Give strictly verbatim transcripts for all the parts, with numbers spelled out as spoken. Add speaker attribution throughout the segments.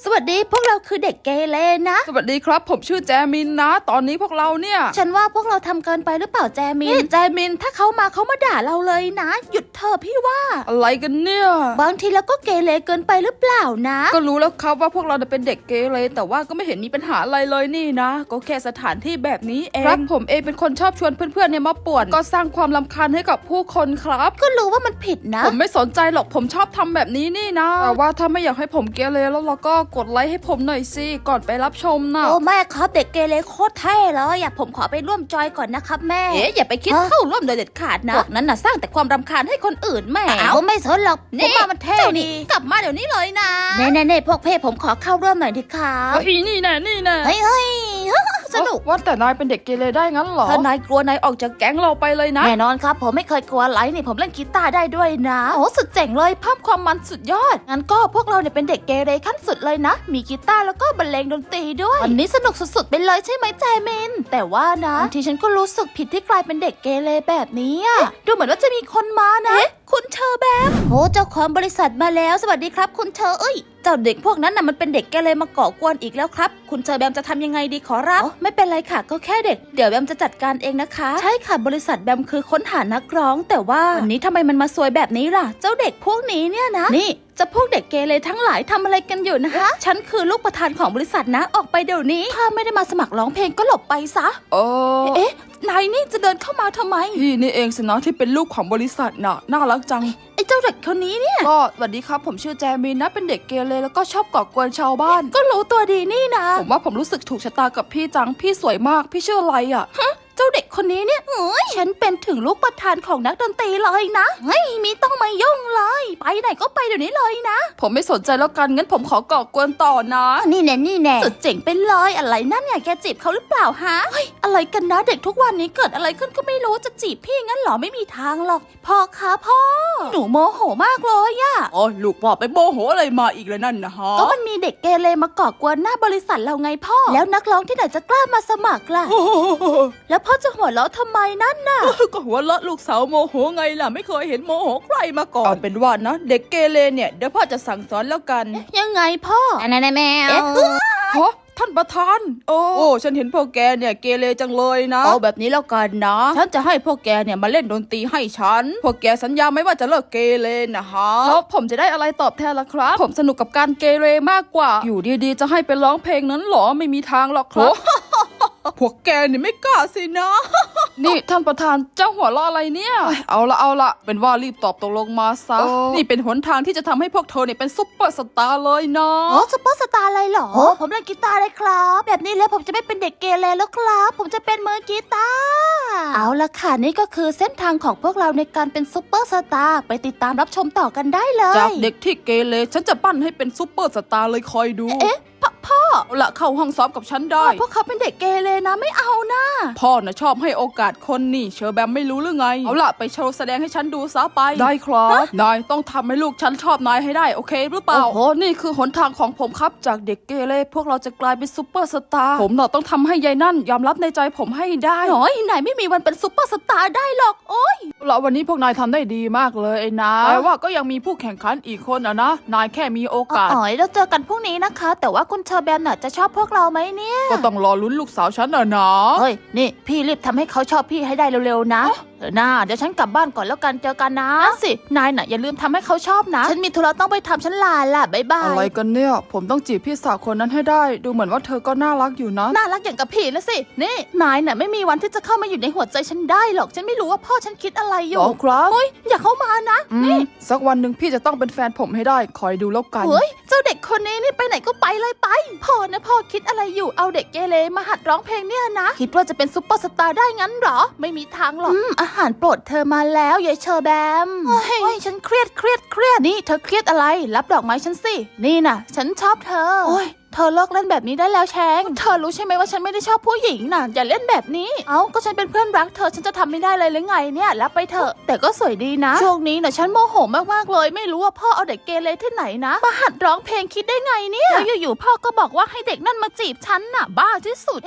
Speaker 1: วัสดีพวกเราคือเด็กเกเรนะ
Speaker 2: สวัสดีครับผมชื่อแจมินนะตอนนี้พวกเราเนี่ย
Speaker 1: ฉันว่าพวกเราทำเกินไปหรือเปล่าแจมินแจมินถ้าเขามาเขามาด่าเราเลยนะหยุดเถอะพี่ว่า
Speaker 2: อะไรกันเนี่ย
Speaker 1: บางทีเราก็เกเรเกินไปหรือเปล่านะ
Speaker 2: ก็รู้แล้วครับว่าพวกเราเป็นเด็กเกเรแต่ว่าก็ไม่เห็นมีปัญหาอะไรเลยนี่นะก็แค่สถานที่แบบนี้เองครับผมเองเป็นคนชอบชวนเพื่อนๆเนี่ยมาป่วนก็สร้างความรำคาญให้กับผู้คนครับ
Speaker 1: ก็รู้ว่ามันผิดนะ
Speaker 2: ผมไม่สนใจหรอกผมชอบทำแบบนี้นี่นะแต่ว่าถ้าไม่อยากให้ผมเกเรแล้วเราก็กดไลค์ให้ผมหน่อยสิก่อนไปรับชมนะ
Speaker 1: โอ้แม่ครับเด็กเกเรโคตรเท่เลยอยากผมขอไปร่วมจอยก่อนนะครับแม่
Speaker 2: เอ๊ะอย่าไปคิดเข้าร่วมโดยเด็ดขาดนะ
Speaker 1: พวกนั้นน่ะสร้างแต่ความรำคาญให้คนอื่นแม่เอาไม่สนหรอกผมว่ามันเท่ดี
Speaker 2: กลับมาเดี๋ยวนี้เลยนะ
Speaker 1: เน่เน่เน่พวกเพ่ผมขอเข้าร่วมหน่อยดิครับ
Speaker 2: เฮ้ยนี่แน่นี่แน่
Speaker 1: เฮ้ยเฮ้ยสนุก
Speaker 2: ว่าแต่นายเป็นเด็กเกเรได้งั้นเหรอถ้านายกลัวนายออกจากแก๊งเราไปเลยนะ
Speaker 1: แน่นอนครับผมไม่เคยกลัวไรนี่ผมเล่นกีตาร์ได้ด้วยนะโอ้สุดเจ๋งเลยเพิ่มความมันสุดยอดงั้นก็พวกเราเนี่ยเป็นเด็กเกเรขั้นสุดเลยนะมีกีตาร์แล้วก็บรรเลงดนตรีด้วยวันนี้สนุกสุดๆไปเลยใช่ไหมแจมินแต่ว่านะบางทีฉันก็รู้สึกผิดที่กลายเป็นเด็กเกเรแบบนี้ดูเหมือนว่าจะมีคนมานะคุณเชอร์แบมโอ้เจ้าของบริษัทมาแล้วสวัสดีครับคุณเชอร์เอ้ยเจ้าเด็กพวกนั้นน่ะมันเป็นเด็กเกเรมาก่อกวนอีกแล้วครับคุณเชอร์แบมจะทำยังไงดีขอรับไม่เป็นไรค่ะก็แค่เด็กเดี๋ยวแบมจะจัดการเองนะคะใช่ค่ะบริษัทแบมคือค้นหานักร้องแต่ว่าวันนี้ทำไมมันมาซวยแบบนี้ล่ะเจ้าเด็กพวกนี้เนี่ยนะนี่จะพวกเด็กเกเรทั้งหลายทำอะไรกันอยู่นะคะฉันคือลูกประธานของบริษัทนะออกไปเดี๋ยวนี้ถ้าไม่ได้มาสมัครร้องเพลงก็หลบไปซะ
Speaker 2: เออ
Speaker 1: เอ๊ะนายนี่จะเดินเข้ามาทำไม
Speaker 2: พี่นี่เองสินะที่เป็นลูกของบริษัทน่ะน่ารักจัง
Speaker 1: ไอ้เจ้าเด็กคนนี้เนี่ย
Speaker 2: ก็สวัสดีครับผมชื่อแจมินนะเป็นเด็กเกเรแล้วก็ชอบก่อกวนชาวบ้าน
Speaker 1: ก็รู้ตัวดีนี่นะ
Speaker 2: ผมว่าผมรู้สึกถูกชะตากับพี่จังพี่สวยมากพี่ชื่ออะไรอ่ะ
Speaker 1: เจ้าเด็กคนนี้เนี่ยเฮ้ยฉันเป็นถึงลูกประธานของนักดนตรีเลยนะเฮ้ยมีต้องมายุ่งเลยไปไหนก็ไปเดี๋ยวนี้เลยนะ
Speaker 2: ผมไม่สนใจแล้วกันงั้นผมขอก่อกวนต่อนะ
Speaker 1: นี่แน่นี่แน่สุดเจ๋งไปเลยอะไรนั่นเนี่ยแกจีบเขาหรือเปล่าฮะเฮ้ยอะไรกันนะเด็กทุกวันนี้เกิดอะไรขึ้นก็ไม่รู้จะจีบพี่งั้นหรอไม่มีทางหรอกพ่อคะพ่อหนูโมโหมากเลยอะ
Speaker 2: อ๋อลูกพ่อไปโมโหอะไรมาอีกแล้วนั่นนะฮะ
Speaker 1: ก็มันมีเด็กเกเรมาก่อกวนหน้าบริษัทเราไงพ่อแล้วนักร้องที่ไหนจะกล้ามาสมัครล่ะแล้วพ่อจะหัวเราะทำไมนั่นน่ะ
Speaker 2: ก็หัวเราะลูกสาวโมโหไงล่ะไม่เคยเห็นโมโหใครมาก่อนเอาเป็นว่านะเด็กเกเรเนี่ยเดี๋ยวพ่อจะสั่งสอนแล้วกัน
Speaker 1: ยังไงพ่อ
Speaker 2: ไหนๆแมวฮะท่านประธานโอ้โอ้ฉันเห็นพวกแกเนี่ยเกเรจังเลยนะเอาแบบนี้แล้วกันนะฉันจะให้พวกแกเนี่ยมาเล่นดนตรีให้ฉันพวกแกสัญญาไหมว่าจะเลิกเกเรนะฮะแล้วผมจะได้อะไรตอบแทนล่ะครับผมสนุกกับการเกเรมากกว่าอยู่ดีๆจะให้ไปร้องเพลงนั้นหรอไม่มีทางหรอกครับพวกแกนี่ไม่กล้าสินะนี่ท่านประธานเจ้าหัวเราะอะไรเนี่ยเอาละเอาละเป็นว่ารีบตอบตกลงมาซะนี่เป็นหนทางที่จะทำให้พวกเธอเนี่ยเป็นซุปเปอร์สตาร์เลยนะ
Speaker 1: โอ้ซุปเปอร์สตาร์อะไรหรอโอ้ผมเล่นกีตาร์เลยครับแบบนี้แล้วผมจะไม่เป็นเด็กเกเรแล้วครับผมจะเป็นมือกีตาร์เอาละค่ะนี่ก็คือเส้นทางของพวกเราในการเป็นซุปเปอร์สตาร์ไปติดตามรับชมต่อกันได้เลย
Speaker 2: จากเด็กที่เกเรฉันจะปั้นให้เป็นซุปเปอร์สตาร์เลยคอยดู
Speaker 1: เอ๊ะพ่อ
Speaker 2: ละเข้าห้องซ้อมกับฉันได้
Speaker 1: พวกเขาเป็นเด็กเกเรนะไม่เอานะ
Speaker 2: พ่อน่ะชอบให้โอกาสคนนี่เชอร์แบมไม่รู้หรือไงเอาละไปโชว์แสดงให้ฉันดูซะไปได้ครับนายต้องทำให้ลูกฉันชอบนายให้ได้โอเคหรือเปล่าโอ้โหนี่คือหนทางของผมครับจากเด็กเกเรพวกเราจะกลายเป็นซุปเปอร์สตาร์ผมน่ะต้องทำให้ยายนั่นยอมรับในใจผมให้ได้
Speaker 1: น้อยนายไม่มีวันเป็นซุปเปอร์สตาร์ได้หรอกโอ้ย
Speaker 2: แล้ววันนี้พวกนายทำได้ดีมากเลยไอ้นะแต่ว่าก็ยังมีผู้แข่งขันอีกคนอ่ะนะนายแค่มีโอกาส
Speaker 1: อ๋อเราเจอกันพรุ่งนี้นะคะแต่ว่าคุณเชอร์แบมน่ะจะชอบพวกเราไหมเนี่ย
Speaker 2: ก็ต้องรอลุ้นลูกสาวฉันน่ะนะ
Speaker 1: เฮ้ยนี่พี่รีบทำให้เขาชอบพี่ให้ได้เร็วๆนะเออน่าเดี๋ยวฉันกลับบ้านก่อนแล้วกันเจอกันนะนั่นสินายน่ะอย่าลืมทำให้เขาชอบนะฉันมีธุระต้องไปทำฉันลาล่ะบ๊ายบาย
Speaker 2: อะไรกันเนี่ยผมต้องจีบพี่สาวคนนั้นให้ได้ดูเหมือนว่าเธอก็น่ารักอยู่นะ
Speaker 1: น่ารักอย่างกับพี่นะสินี่นายน่ะไม่มีวันที่จะเข้ามาอยู่ในหัวใจฉันได้หรอกฉันไม่รู้ว่าพ่อฉันคิดอะไรอยู่
Speaker 2: อ๋อครับ
Speaker 1: เฮ้ยอย่าเข้ามานะนี่
Speaker 2: สักวันหนึ่งพี่จะต้องเป็นแฟนผมให้ได้คอยดูแล้วกัน
Speaker 1: เฮ้ยเจ้าเด็กคนนี้นี่ไปไหนก็ไปเลยไปพ่อนะพ่อคิดอะไรอยู่เอาเด็กเกเรมาหัดร้องเพลงเนี่ยนะคิดว่าจะเป็นซุปเปอร์สตาร์ได้งั้นหรอไม่มีทางหรอกอาหารโปรดเธอมาแล้วยายเชอร์แบมเฮ้ยฉันเครียดเครียดเครียดนี่เธอเครียดอะไรรับดอกไม้ฉันสินี่น่ะฉันชอบเธอโอ้ยเธอเลิกเล่นแบบนี้ได้แล้วแชงเธอรู้ใช่ไหมว่าฉันไม่ได้ชอบผู้หญิงน่ะอย่าเล่นแบบนี้เอ้าก็ฉันเป็นเพื่อนรักเธอฉันจะทำไม่ได้เลยหรือไงเนี่ยรับไปเถอะแต่ก็สวยดีนะช่วงนี้น่ะฉันโมโหมากๆเลยไม่รู้ว่าพ่อเอาเด็กเกเรที่ไหนนะมาหัดร้องเพลงคิดได้ไงเนี่ยแล้วอยู่ๆพ่อก็บอกว่าให้เด็กนั่นมาจีบฉันน่ะบ้าที่สุดเอ๊ะ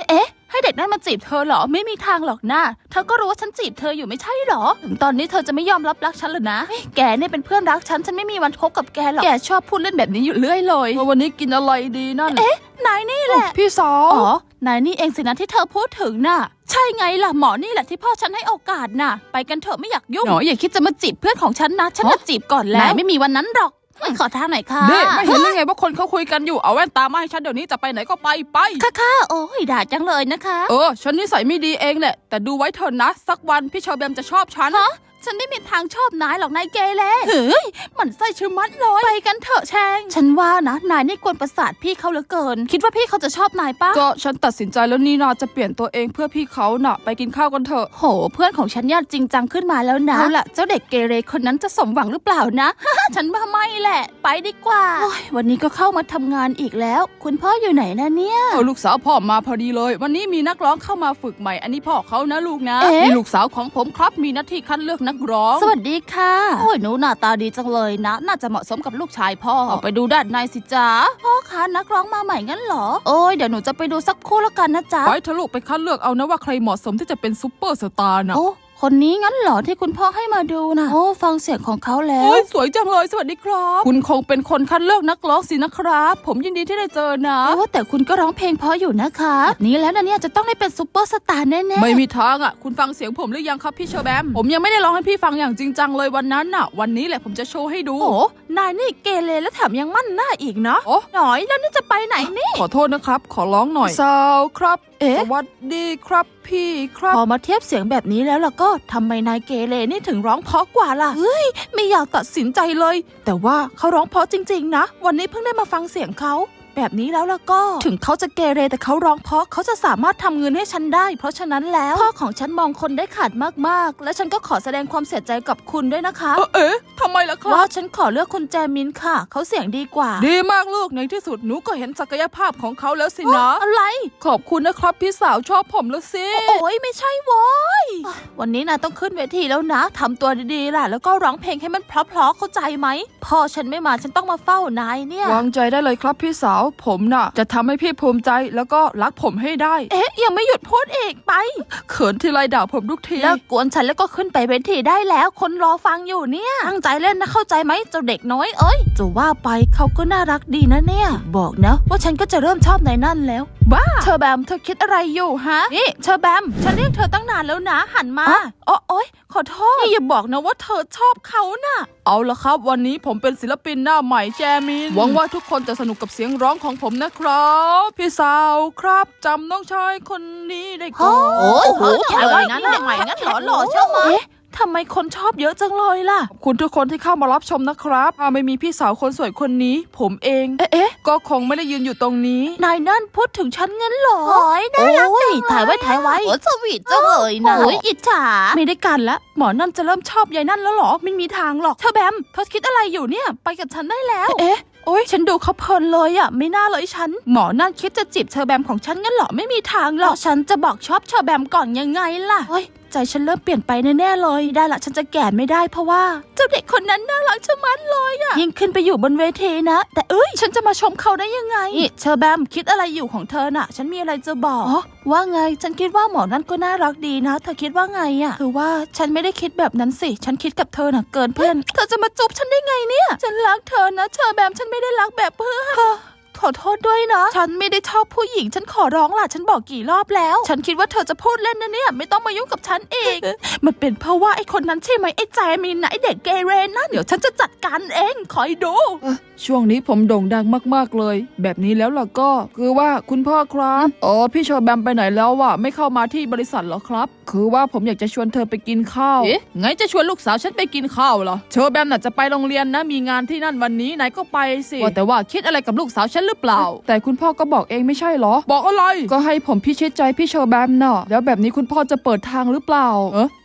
Speaker 1: ให้เด็กนั่นมาจีบเธอเหรอไม่มีทางหรอกนะเธอก็รู้ว่าฉันจีบเธออยู่ไม่ใช่เหรอถึงตอนนี้เธอจะไม่ยอมรับรักฉันหรอนะแกเนี่ยเป็นเพื่อนรักฉันฉันไม่มีวันคบกับแกหรอกแกชอบพูดเล่นแบบนี้อยู่เรื่อยเลย
Speaker 2: วันนี้กินอะไรดีนั่น
Speaker 1: เอ๊ะนายนี่แหละ
Speaker 2: พี่สาว
Speaker 1: อ๋อนายนี่เองสินะที่เธอพูดถึงน่ะใช่ไงล่ะหมอนี่แหละที่พ่อฉันให้โอกาสน่ะไปกันเถอะไม่อยากยุ่งหนออย่าคิดจะมาจีบเพื่อนของฉันนะฉันจะจีบก่อนแล้วไม่มีวันนั้นหรอกขอทางหน่อยค่ะ
Speaker 2: เด็กไม่เห็นยังไงว่าคนเขาคุยกันอยู่เอาแว่นตามาให้ฉันเดี๋ยวนี้จะไปไหนก็ไปไป
Speaker 1: ค่ะค่ะโอ้ยด่าจังเลยนะคะ
Speaker 2: เออฉันนิสัยไม่ดีเองแหละแต่ดูไว้เถอะนะสักวันพี่เชอร์แบมจะชอบฉัน
Speaker 1: ฉันไม่มีทางชอบนายหรอกนายเกเรเฮ้ยมันไส้ชื่อมัดเลยไปกันเถอะแชงฉันว่านะนายนี่กวนประสาทพี่เขาเหลือเกินคิดว่าพี่เขาจะชอบนายปะ
Speaker 2: ก็ฉันตัดสินใจแล้วนี่นาจะเปลี่ยนตัวเองเพื่อพี่เขาน่ะไปกินข้าวกันเถอะ
Speaker 1: โหเพื่อนของฉันเนี่ยจริงจังขึ้นมาแล้วนะเอาล่ะเจ้าเด็กเกเรคนนั้นจะสมหวังหรือเปล่านะ ฉันว่าไม่แหละไปดีกว่าวันนี้ก็เข้ามาทำงานอีกแล้วคุณพ่ออยู่ไหนนะเนี่ย
Speaker 2: เออลูกสาวพ่อมาพอดีเลยวันนี้มีนักร้องเข้ามาฝึกใหม่อันนี้พ่อเขานะลูกนะ
Speaker 1: เอ๊ะ
Speaker 2: มีลูกสาวของผมครับมีหน้าที่คัดเลือกนักร้อง
Speaker 1: สวัสดีค่ะโอ้ยหนูหน้าตาดีจังเลยนะน่าจะเหมาะสมกับลูกชายพ่อออกไปดูด้านในสิจ๊ะพ่อคะนักร้องมาใหม่งั้นเหรอโอ้ยเดี๋ยวหนูจะไปดูสักคู่แล้วกันนะจ๊ะ
Speaker 2: ไปเถอะลูกไปคัดเลือกเอานะว่าใครเหมาะสมที่จะเป็นซุปเปอร์สตาร์นะ
Speaker 1: โอ้คนนี้งั้นเหรอที่คุณพ่อให้มาดูนะโอ้ฟังเสียงของเขาแล้ว
Speaker 2: โอ้ยสวยจังเลยสวัสดีครับคุณคงเป็นคนคัดเลือกนักร้องสินะครับ ผมยินดีที่ได้เจอนะ
Speaker 1: ว่าแต่คุณก็ร้องเพลงเพราะอยู่นะคะแบบนี้แล้วนะเนี่ยจะต้องได้เป็นซุปเปอร์สตาร์แน่ๆ
Speaker 2: ไม่มีทางอ่ะคุณฟังเสียงผมหรือยังครับพี่เชอร์แบมผมยังไม่ได้ร้องให้พี่ฟังอย่างจริงจังเลยวันนั้นน่ะวันนี้แหละผมจะโชว์ให้ดู
Speaker 1: โอ้นายนี่เกเรแล้วแถมยังมั่นหน้าอีกเนาะ
Speaker 2: โอ้
Speaker 1: หน่อยแล้วนี่จะไปไหนนี่
Speaker 2: ขอโทษนะครับขอร้องหน่อยสาวครับ
Speaker 1: เอ๊ะ
Speaker 2: สวัสดีครับพี่ครับ
Speaker 1: พอมาเทียบเสียงแบบนี้แล้วล่ะก็ทำไมนายเกเรนี่ถึงร้องเพราะกว่าล่ะเฮ้ยไม่อยากตัดสินใจเลย แต่ว่าเขาร้องเพราะจริงๆนะวันนี้เพิ่งได้มาฟังเสียงเขาแบบนี้แล้วล่ะก็ถึงเขาจะเกเรแต่เขาร้องเพราะเขาจะสามารถทำเงินให้ฉันได้ เพราะฉะนั้นแล้วพ่อของฉันมองคนได้ขาดมากๆและฉันก็ขอแสดงความเสียใจกับคุณด้วยนะคะ
Speaker 2: เอ๊ะเอ๊ะทำไมล่ะครั
Speaker 1: ว่า
Speaker 2: บ
Speaker 1: ฉันขอเลือกคุณแจมินค่ะเขาเสียงดีกว่า
Speaker 2: ดีมากลูกในที่สุดหนูก็เห็นศักยภาพของเขาแล้วสินะ
Speaker 1: อะไร
Speaker 2: ขอบคุณนะครับพี่สาวชอบผมแล้วสิ
Speaker 1: โอ้ยไม่ใช่โว้ยวันนี้นะต้องขึ้นเวทีแล้วนะทำตัวดีๆล่ะแล้วก็ร้องเพลงให้มันเพราะๆเข้าใจไหมพ่อฉันไม่มาฉันต้องมาเฝ้านายเนี่ยว
Speaker 2: างใจได้เลยครับพี่สาวผมน่ะจะทำให้พี่ภูมิใจแล้วก็รักผมให้ได้
Speaker 1: เอ๊ะยังไม่หยุดพูดอีกไป
Speaker 2: เขินทีไรด่าผมทุกที
Speaker 1: เลิกกวนฉันแล้วก็ขึ้นไปเวทีได้แล้วคนรอฟังอยู่เนี่ยตั้งใจเล่นนะเข้าใจไหมเจ้าเด็กน้อยเอ้ยจะว่าไปเขาก็น่ารักดีนะเนี่ยบอกนะว่าฉันก็จะเริ่มชอบในนั่นแล้วบ้าเชอร์แบมเธอคิดอะไรอยู่ฮะนี่เชอร์แบมฉันเรียกเธอตั้งนานแล้วนะหันมาอ๋อโอ๊ยขอโทษนี่อย่าบอกนะว่าเธอชอบเขาน่ะ
Speaker 2: เอาละครับวันนี้ผมเป็นศิลปินหน้าใหม่แจมินหวังว่าทุกคนจะสนุกกับเสียงร้องของผมนะครับพี่สาวครับจำน้องชายคนนี้ได้ก่อน
Speaker 1: โอ้โหถ่ายไว้งั้นใหม่งั้นหล่อหล่อใช่ไหมเอ๊ะทำไมคนชอบเยอะจังเลยล่ะ
Speaker 2: ขอบคุณทุกคนที่เข้ามารับชมนะครับถ้าไม่มีพี่สาวคนสวยคนนี้ ผมเอง
Speaker 1: เอ๊ะเอ๊ะ
Speaker 2: ก็คงไม่ได้ยืนอยู่ตรงนี้
Speaker 1: นายนั่นพูดถึงฉันงั้นเหรอโอ้ยน่ารักจังถ่ายไว้ถ่ายไว้โอ้สวีทจังเลยนะโอ้ยอิจฉาไม่ได้กันละหมอนั่นจะเริ่มชอบยายนั่นแล้วเหรอไม่มีทางหรอกเธอแบมเธอคิดอะไรอยู่เนี่ยไปกับฉันได้แล้วเอ๊ะโอ้ยฉันดูเขาเพลินเลยอ่ะไม่น่าเลยฉันหมอนั่นคิดจะจีบเชอแบมของฉันงั้นเหรอไม่มีทางหรอกฉันจะบอกชอบเชอแบมก่อนยังไงล่ะโอ้ยใจฉันเริ่มเปลี่ยนไปแน่ๆเลยได้ละฉันจะแก่ไม่ได้เพราะว่าเจ้าเด็กคนนั้นน่ารักชะมัดเลยอ่ะยิ่งขึ้นไปอยู่บนเวทีนะแต่เอ้ยฉันจะมาชมเขาได้ยังไงนี่เชอแบมคิดอะไรอยู่ของเธอน่ะฉันมีอะไรจะบอกอ๋อว่าไงฉันคิดว่าหมอนั่นก็น่ารักดีนะเธอคิดว่าไงอ่ะคือว่าฉันไม่ได้คิดแบบนั้นสิฉันคิดกับเธอน่ะเกินเพื่อนเธอจะมาจุบฉันได้ไงเนี่ยฉันรักเธอนะเชอแบมฉันไม่ได้รักแบบเพื่อนขอโทษด้วยนะฉันไม่ได้ชอบผู้หญิงฉันขอร้องล่ะฉันบอกกี่รอบแล้วฉันคิดว่าเธอจะพูดเล่นนะเนี่ยไม่ต้องมายุ่งกับฉันอีก มันเป็นเพราะว่าไอ้คนนั้นใช่ไหมไอ้แจมินนะไอ้เด็กเกเรนั่นเดี๋ยวฉันจะจัดการเองคอยดู
Speaker 2: ช่วงนี้ผมโด่งดังมากๆเลย แบบนี้แล้วล่ะก็คือว่าคุณพ่อครับอ๋อพี่เชอร์แบมไปไหนแล้ววะไม่เข้ามาที่บริษัทเหรอครับคือว่าผมอยากจะชวนเธอไปกินข้าวเอ๊ะไงจะชวนลูกสาวฉันไปกินข้าวเหรอเชอร์แบมน่ะจะไปโรงเรียนนะมีงานที่นั่นวันนี้ไหนก็ไปสิว่าแต่ว่าคิดอะไรกับลูกสาวฉันหรือเปล่าแต่คุณพ่อก็บอกเองไม่ใช่เหรอบอกอะไรก็ให้ผมพิชิตใจพี่เชอร์แบมน่ะแล้วแบบนี้คุณพ่อจะเปิดทางหรือเปล่าเออ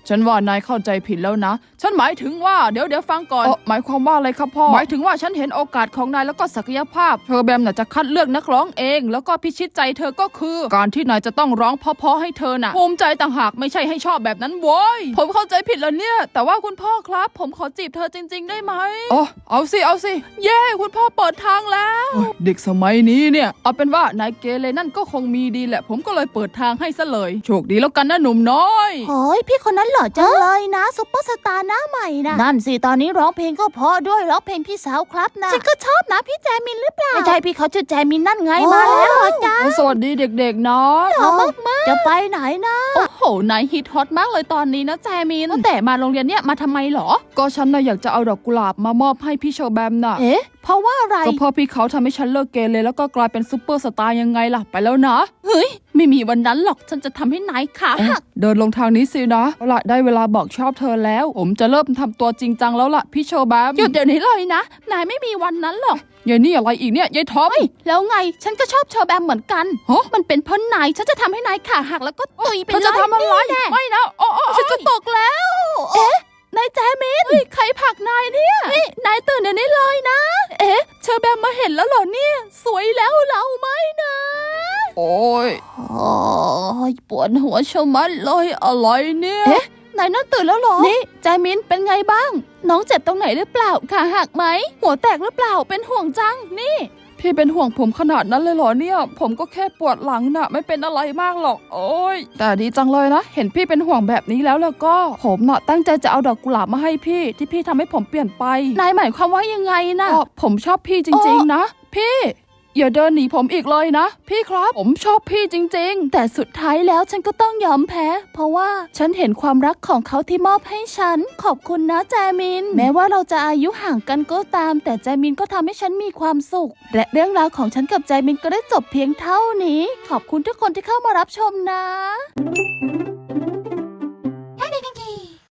Speaker 2: ฉันว่านายเข้าใจผิดแล้วนะฉันหมายถึงว่าเดี๋ยวเดี๋ยวฟังก่อนหมายความว่าอะไรครับพ่อหมายถึงว่าฉันเห็นโอกาสของนายแล้วก็ศักยภาพเธอแบมน่ะจะคัดเลือกนักร้องเองแล้วก็พิชิตใจเธอก็คือการที่นายจะต้องร้องเพราะๆให้เธอน่ะภูมิใจต่างหากไม่ใช่ให้ชอบแบบนั้นโว้ยผมเข้าใจผิดแล้วเนี่ยแต่ว่าคุณพ่อครับผมขอจีบเธอจริงๆได้ไหมอ๋อเอาสิเอาสิเย้คุณพ่อเปิดทางแล้วเด็กสมัยนี้เนี่ยเอาเป็นว่านายเกเรนั่นก็คงมีดีแหละผมก็เลยเปิดทางให้ซะเลยโชคดีแล้วกันนะหนุ่มน้อย
Speaker 1: โอ้ยพี่คนนั้นหล่อจังเลยนะซุปเปอร์สตาร์หน้าใหม่นะนั่นสิตอนนี้ร้องเพลงก็เพราะด้วยร้องเพลงพี่สาวครับนะฉันก็ชอบนะพี่แจมินหรือเปล่าไม่ใช่พี่เขาชื่อแจมินนั่นไงมาแล้วเหรอจ๊ะ
Speaker 2: สวัสดีเด็กๆนะ
Speaker 1: หล่อมากๆจะไปไหนนะ
Speaker 2: โอ้โหนายฮิตฮอตมากเลยตอนนี้นะแจมินแต่มาโรงเรียนเนี่ยมาทำไมหรอก็ฉันน่ะอยากจะเอาดอกกุหลาบมามอบให้พี่เชอร์แบมน่ะ
Speaker 1: เอ๊ะเพราะว่าอะไร
Speaker 2: ก็เพราะพี่เขาทำให้ฉันเลิกเกเรแล้วก็กลายเป็นซุปเปอร์สตาร์ยังไงล่ะไปแล้วนะเฮ้ยไม่มีวันนั้นหรอกฉันจะทำให้นายขาหักเดินลงทางนี้สินะเอาล่ะได้เวลาบอกชอบเธอแล้วผมจะเริ่มทำตัวจริงจังแล้วล่ะพี่เชอร์แบมหยุดเดี๋ยวนี้เลยนะนายไม่มีวันนั้นหรอกยายนี่อะไรอีกเนี่ยยายท็อป
Speaker 1: แล้วไงฉันก็ชอบเชอร์แบมเหมือนกันมันเป็นเพราะนายฉันจะทำให้นายขาหักแล้วก็ตุยไปเลย
Speaker 2: เธอจะทำอะไรไม่นะโอ้
Speaker 1: ฉันจะตกแล้วเอ๊ะนายแจมินใครผลักนายเนี่ยนี่นายตื่นเดี๋ยวนี้เลยนะเอ๊ะเชอร์แบมมาเห็นแล้วเหรอเนี่ยสวยแล้วเราไหมนะ
Speaker 2: โอ้ยโอ้ยปวดหัวชะมัดเลยอะไรเนี่ย
Speaker 1: เอ๊ะนายนั่นตื่นแล้วเหรอนี่แจมินเป็นไงบ้างน้องเจ็บตรงไหนหรือเปล่าขาหักไหมหัวแตกหรือเปล่าเป็นห่วงจังนี่
Speaker 2: พี่เป็นห่วงผมขนาดนั้นเลยเหรอเนี่ยผมก็แค่ปวดหลังน่ะไม่เป็นอะไรมากหรอกโอ้ยแต่ดีจังเลยนะเห็นพี่เป็นห่วงแบบนี้แล้วแล้วก็ผมน่ะตั้งใจจะเอาดอกกุหลาบมาให้พี่ที่พี่ทำให้ผมเปลี่ยนไป
Speaker 1: นายหมายความว่ายังไงนะ
Speaker 2: ผมชอบพี่จริงๆนะพี่อย่าเดินหนีผมอีกเลยนะพี่ครับผมชอบพี่จริงๆ
Speaker 1: แต่สุดท้ายแล้วฉันก็ต้องยอมแพ้เพราะว่าฉันเห็นความรักของเขาที่มอบให้ฉันขอบคุณนะแจมินแม้ว่าเราจะอายุห่างกันก็ตามแต่แจมินก็ทำให้ฉันมีความสุขและเรื่องราวของฉันกับแจมินก็ได้จบเพียงเท่านี้ขอบคุณทุกคนที่เข้ามารับชมนะ